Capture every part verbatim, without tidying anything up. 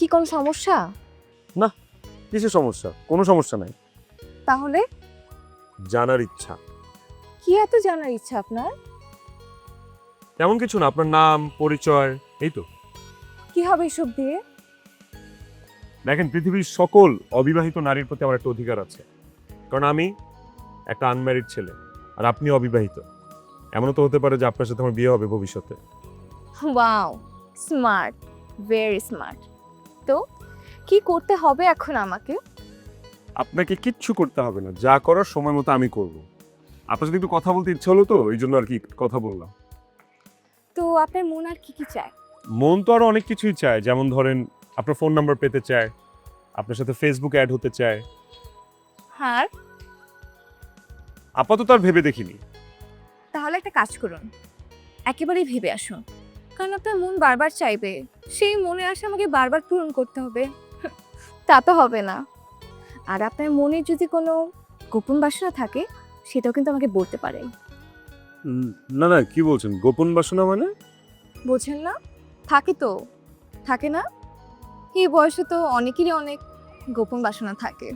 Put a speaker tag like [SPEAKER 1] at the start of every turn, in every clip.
[SPEAKER 1] কোনো সমস্যা?
[SPEAKER 2] না, কিসের সমস্যা? কোনো সমস্যা নাই।
[SPEAKER 1] তাহলে
[SPEAKER 2] জানার ইচ্ছা।
[SPEAKER 1] কি এত জানার ইচ্ছা আপনার?
[SPEAKER 2] তেমন কিছু না, আপনার নাম পরিচয় এই তো।
[SPEAKER 1] কি হবে এসব দিয়ে?
[SPEAKER 2] দেখেন, পৃথিবীর সকল অবিবাহিত নারীর প্রতি আমার একটা অধিকার আছে, কারণ আমি একটা আনম্যারিড ছেলে আর আপনি অবিবাহিত। এমনও তো হতে পারে যে আপনার সাথে আমার বিয়ে হবে ভবিষ্যতে।
[SPEAKER 1] Wow, smart, very smart. তো কি করতে হবে এখন আমাকে?
[SPEAKER 2] আপনাকে কিচ্ছু করতে হবে না, যা করার সময় মতো আমি করব। আপনার সাথে একটু কথা বলতে ইচ্ছে হলো তো, এই জন্য আর কি কথা বললাম।
[SPEAKER 1] তো আপনার মন আর কি কি চায়?
[SPEAKER 2] মন তো আরো অনেক কিছুই চায়, যেমন ধরেন আপনার ফোন নাম্বার পেতে চায়, আপনার সাথে ফেসবুকে অ্যাড হতে চায়।
[SPEAKER 1] হ্যাঁ,
[SPEAKER 2] আপাতত আর ভেবে দেখিনি।
[SPEAKER 1] তাহলে একটা কাজ করুন, একেবারেই ভেবে আসুন, কারণ আপনার মন বারবার চাইবে, সেই মনে আশা আমাকে বারবার পূরণ করতে হবে। তা তো হবে না। আর আপনার মনে যদি কোনো গোপন বাসনা থাকে, সেটাও কিন্তু আমাকে বলতে পারেন।
[SPEAKER 2] উম, না না, কি বলছেন? গোপন বাসনা মানে?
[SPEAKER 1] বোঝেন না? থাকে তো, থাকে না? এই বয়সে তো অনেকেরই অনেক গোপন বাসনা থাকে।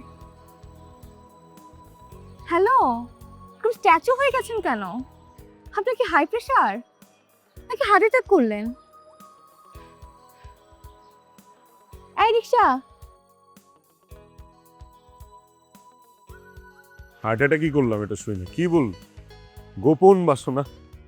[SPEAKER 1] হ্যালো, আপনি স্ট্যাচু হয়ে গেছেন কেন? আপনার কি হাই প্রেশার নাকি হার্ট অ্যাটাক করলেন? এই রিক্সা,
[SPEAKER 2] হার্ট অ্যাটাক কি করলাম এটা শুই না, কি বল? গোপন বাসনা?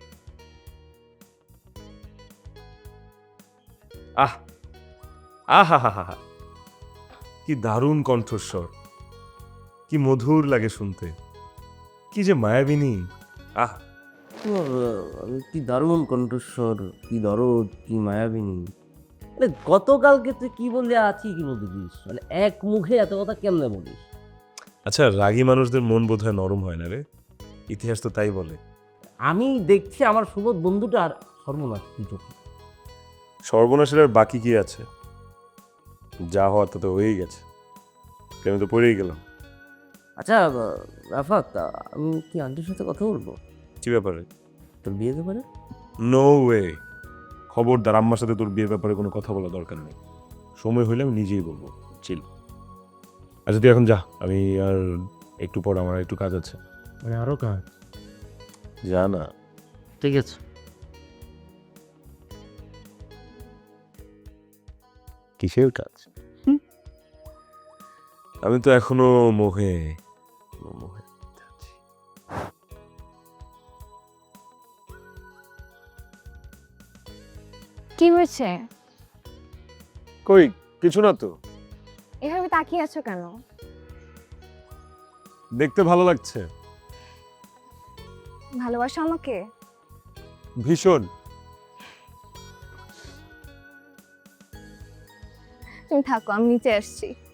[SPEAKER 2] আহ আহা হা হা, কি দারুণ কণ্ঠস্বর, কি মধুর লাগে শুনতে, কি যে মায়াবিনী। আহ
[SPEAKER 3] তোমার আহ, কি দারুণ কণ্ঠস্বর, কি দরদ, কি মায়াবিনী। মানে গতকালকে তুই কি বললে আছি কি বলতে দিস, মানে এক মুখে এত কথা কেমনে বলিস?
[SPEAKER 2] আচ্ছা, রাগী মানুষদের মন বোধহয় নরম হয় না রে, ইতিহাস তো তাই বলে।
[SPEAKER 3] আমি দেখছি আমার সুবোধ বন্ধুটা আর সর্বনাশ তুই চোখে।
[SPEAKER 2] সর্বনাশের আর বাকি কি আছে? যা হওয়ার তো তো হয়েই গেছে, আমি তো পড়েই গেলাম।
[SPEAKER 3] আচ্ছা আহ, রাফাত, আহ, আমি কি আন্টির সাথে কথা বলবো
[SPEAKER 2] কি ব্যাপারে?
[SPEAKER 3] তোর বিয়ে ব্যাপারে?
[SPEAKER 2] নো ওয়ে, খবরদার, আম্মার সাথে তোর বিয়ের ব্যাপারে কোনো কথা বলা দরকার নেই। সময় হইলে আমি নিজেই বলবো, চিল। আচ্ছা তুই এখন যা, আমি আর একটু পর আমার একটু কাজ আছে।
[SPEAKER 3] মানে আরো কাজ?
[SPEAKER 2] যা না।
[SPEAKER 3] ঠিক আছে।
[SPEAKER 2] কিসের কাজ? আমি তো এখনো মোহে মোহে আছি।
[SPEAKER 1] কি হয়েছে?
[SPEAKER 2] কই কিছু না তো,
[SPEAKER 1] এভাবে তাকিয়ে আছো কেন?
[SPEAKER 2] দেখতে ভালো লাগছে।
[SPEAKER 1] ভালোবাসো আমাকে?
[SPEAKER 2] ভীষণ।
[SPEAKER 1] তুমি থাকো, আমি নিচে আসছি।